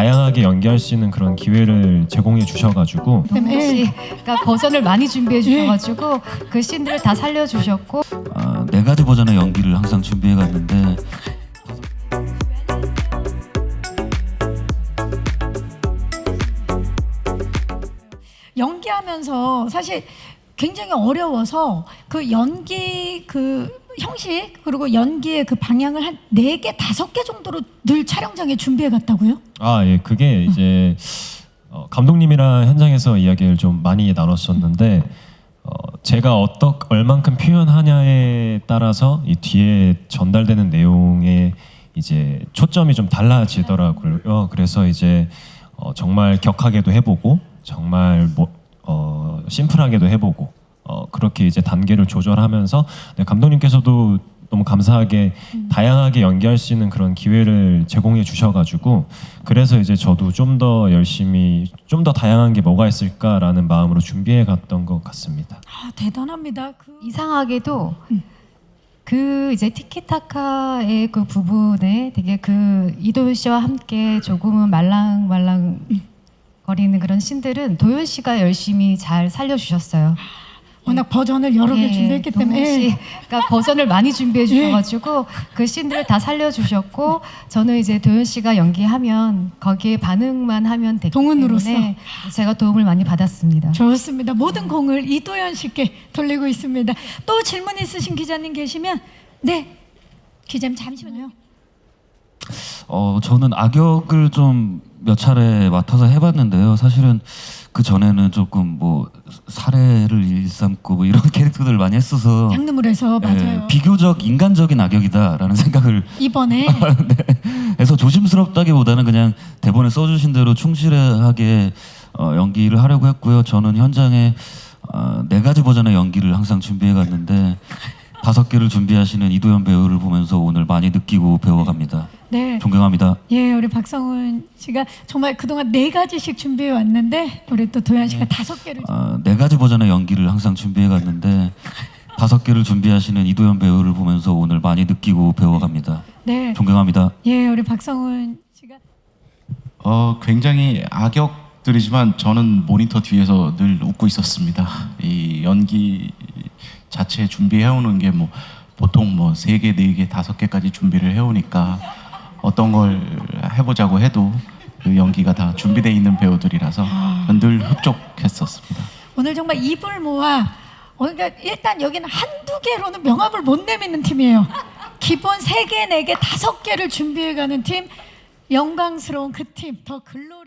다양하게 연기할 수 있는 그런 기회를 제공해 주셔가지고 동훈 씨가 버전을 많이 준비해 주셔가지고 그 씬들을 다 살려주셨고 네 가지 버전의 연기를 항상 준비해 갔는데 연기하면서 사실 굉장히 어려워서 그 연기 그 형식 그리고 연기의 그 방향을 한 4개, 5개 정도로 늘 촬영장에 준비해 갔다고요? 예, 그게 이제 감독님이랑 현장에서 이야기를 좀 많이 나눴었는데 제가 얼만큼 표현하냐에 따라서 이 뒤에 전달되는 내용에 이제 초점이 좀 달라지더라고요. 그래서 이제 정말 격하게도 해보고 정말 심플하게도 해보고 그렇게 이제 단계를 조절하면서 감독님께서도 너무 감사하게 다양하게 연기할 수 있는 그런 기회를 제공해 주셔가지고 그래서 이제 저도 좀 더 열심히 좀 더 다양한 게 뭐가 있을까라는 마음으로 준비해 갔던 것 같습니다. 대단합니다. 이상하게도 그 이제 티키타카의 그 부분에 되게 그 이도현 씨와 함께 조금은 말랑말랑 거리는 그런 씬들은 도현 씨가 열심히 잘 살려주셨어요. 워낙 버전을 여러 개 준비했기 때문에 동훈 씨가 버전을 많이 준비해 주셔가지고 그 씬들을 다 살려주셨고 저는 이제 도현 씨가 연기하면 거기에 반응만 하면 되기 동훈으로서. 때문에 제가 도움을 많이 받았습니다. 좋습니다. 모든 공을 이도현 씨께 돌리고 있습니다. 또 질문 있으신 기자님 계시면 네, 기자님 잠시만요. 저는 악역을 좀 몇 차례 맡아서 해봤는데요. 사실은 그 전에는 조금 뭐 살해를 일삼고 뭐 이런 캐릭터들을 많이 했어서 장르물에서 맞아요. 비교적 인간적인 악역이다라는 생각을 이번에 해서 조심스럽다기보다는 그냥 대본에 써주신 대로 충실하게 연기를 하려고 했고요. 저는 현장에 4가지 버전의 연기를 항상 준비해 갔는데 5개를 준비하시는 이도현 배우를 보면서 오늘 많이 느끼고 배워갑니다. 네. 존경합니다. 예, 우리 박성훈 씨가 정말 그동안 4가지씩 준비해 왔는데 우리 또 도현 씨가 5개를 4가지 버전의 연기를 항상 준비해 갔는데 5개를 준비하시는 이도현 배우를 보면서 오늘 많이 느끼고 배워갑니다. 네. 존경합니다. 예, 우리 박성훈 씨가 굉장히 악역들이지만 저는 모니터 뒤에서 늘 웃고 있었습니다. 이 연기 자체 준비해오는 게 뭐 보통 뭐 3개, 4개, 5개까지 준비를 해오니까 어떤 걸 해보자고 해도 그 연기가 다 준비되어 있는 배우들이라서 늘 흡족했었습니다. 오늘 정말 입을 모아 그러니까 일단 여기는 한두 개로는 명함을 못 내미는 팀이에요. 기본 3개, 4개, 5개를 준비해가는 팀 영광스러운 그 팀 더 글로리